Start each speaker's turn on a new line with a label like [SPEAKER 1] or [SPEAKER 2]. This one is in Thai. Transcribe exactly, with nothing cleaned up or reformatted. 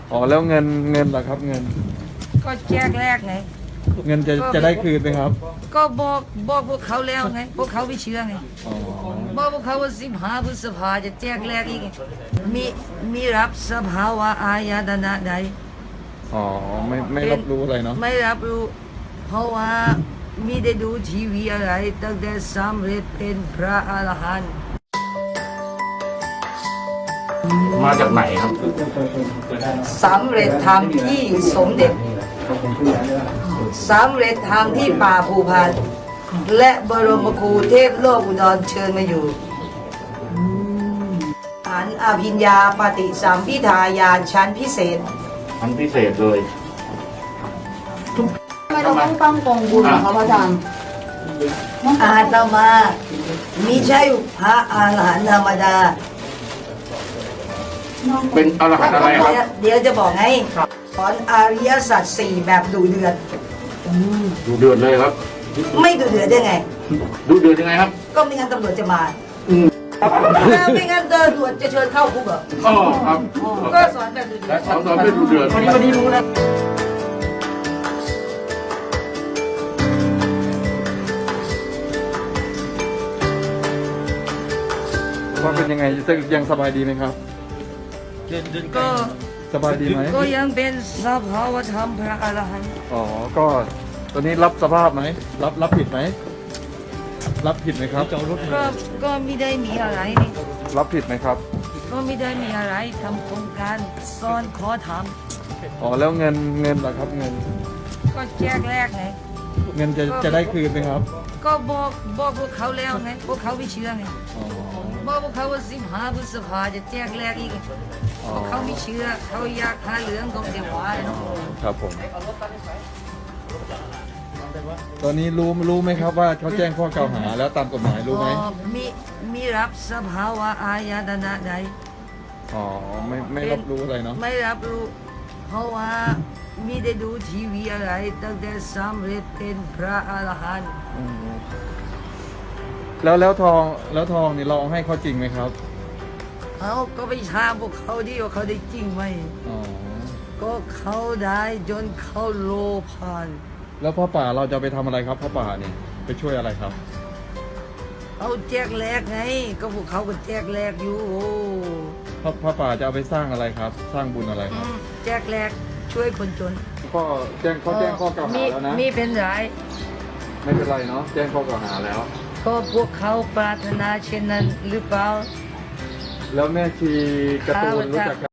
[SPEAKER 1] อ๋อแล้วเงินเงินเหรอครับเงิน
[SPEAKER 2] ก็แจกแรกไง
[SPEAKER 1] เงินจะจะได้คืนไหมครับ
[SPEAKER 2] ก็บอกบอกพวกเขาแล้วไงพวกเขาไม่เชื่อไง
[SPEAKER 1] อ๋อ
[SPEAKER 2] บอกพวกเขาว่าสิบห้าพฤษภาจะแจกแรกอีกมีมีรับสภาวะอาญาตนะใด
[SPEAKER 1] อ๋อไม่ไม่รับรู้อะไรเนาะ
[SPEAKER 2] ไม่รับรู้เพราะว่ามีได้ดูทีวีอะไรตั้งแต่สำเร็จเป็นพระอรหันต์
[SPEAKER 3] มาจากไหนครับ
[SPEAKER 2] สำเร็จธรรมที่สมเด็จสำเร็จธรรมที่ป่าภูพานและบรมครูเทพโลกอุดรเชิญมาอยู่อันอภิญญาปฏิสัมพิทายานชั้นพิเศษ
[SPEAKER 3] ชั้นพิเศษเลย
[SPEAKER 4] ทำไมเราต้องตั้งกองบุญครับอาจารย์
[SPEAKER 2] อาตมามิใช่พระอาหารหันต์ธรรมดา
[SPEAKER 3] เป็นอรหันต์อะไรครับ
[SPEAKER 2] เดี๋ยวจะบอกให้สอนอริยสัจสี่แบบดุเดือด
[SPEAKER 3] ดูเดือดเลยครับ
[SPEAKER 2] ไม่ดุเดือดได้ไง
[SPEAKER 3] ดูเดือดยังไงครับ
[SPEAKER 2] ก็ไม่งั้นตำรวจจะมาแล้วไม่งั้นตำรวจจะเชิญเข้าคุกเหรอ
[SPEAKER 3] อ๋อครับ
[SPEAKER 2] ก็สอนแบบดุเดือด
[SPEAKER 3] สอนสอนไม่ดูเดือด
[SPEAKER 2] วันนี้วันนี้รู้แล้ว
[SPEAKER 1] ว่าเป็นยังไงยังสบายดีไหมครับ
[SPEAKER 2] ก็
[SPEAKER 1] สบายดีไหม
[SPEAKER 2] ก็ยังเป็นสภาวธรรมพระอรหันต์
[SPEAKER 1] อ๋อก็ตอนนี้รับสภาพไหมรับรับผิดไหมรับผิดไหมครับ
[SPEAKER 2] ก็ก็ไม่ได้มีอะไรนี่
[SPEAKER 1] รับผิดไหมครับ
[SPEAKER 2] ก็ไม่ได้มีอะไรทำโครงการสอนขอท
[SPEAKER 1] ำอ๋อแล้วเงินเงินเหรอครับเงิน
[SPEAKER 2] ก็แจกแรกไง
[SPEAKER 1] เงินจะจะได้คืนไหมครับ
[SPEAKER 2] ก็บอกบอกพวกเขาแล้วไงพวกเขาไม่เชื่อไงบอกพวกเขาว่าสิบห้าพฤษภาจะแจกแรกอีกพวกเขาไม่เชื่อเขาอยากหาเหลืองตรงเดียวว่า
[SPEAKER 1] ครับผมตอนนี้รู้รู้ไหมครับว่าเขาแจ้งข้อกล่าวหาแล้วตามกฎหมายรู้ไหม
[SPEAKER 2] มีมีรับสภาวะอาญาตนะใด
[SPEAKER 1] อ๋อไม่ไม่รับรู้อะไรเนาะ
[SPEAKER 2] ไม่รับรู้เพราะว่ามีได้ดูทีวีอะไรตั้งแต่สำเร็จเป็นพระอรหันต์
[SPEAKER 1] แล้วแล้วทองแล้วทองนี่เราให้เขาจริงไหมครับ
[SPEAKER 2] เขาก็ไปถามพวกเขาดิว่าเขาได้จริงไหมอ๋อก็เขาได้จนเขาโลภาน
[SPEAKER 1] แล้วพ่อป่าเราจะไปทำอะไรครับพ่อป่านี่ไปช่วยอะไรครับ
[SPEAKER 2] เขาแจกแลกไงก็พวกเขาก็แจกแลกอยู่
[SPEAKER 1] พ่อพ่อป่าจะเอาไปสร้างอะไรครับ สร้างบุญอะไรครับ
[SPEAKER 2] แจกแลกช่วยคนจน
[SPEAKER 1] ก็แจ้งเขาแจ้งข้อกล่าวหาแล้วนะ
[SPEAKER 2] มีเป็นไร
[SPEAKER 1] ไม่เป็นไรเนาะแจ้งข้อกล่าวหาแล้ว
[SPEAKER 2] ก็พวกเขาปรารถนาเช่นนั้นหรือเปล่า
[SPEAKER 1] แล้วแม่ชีการ์ตูนรู้จัก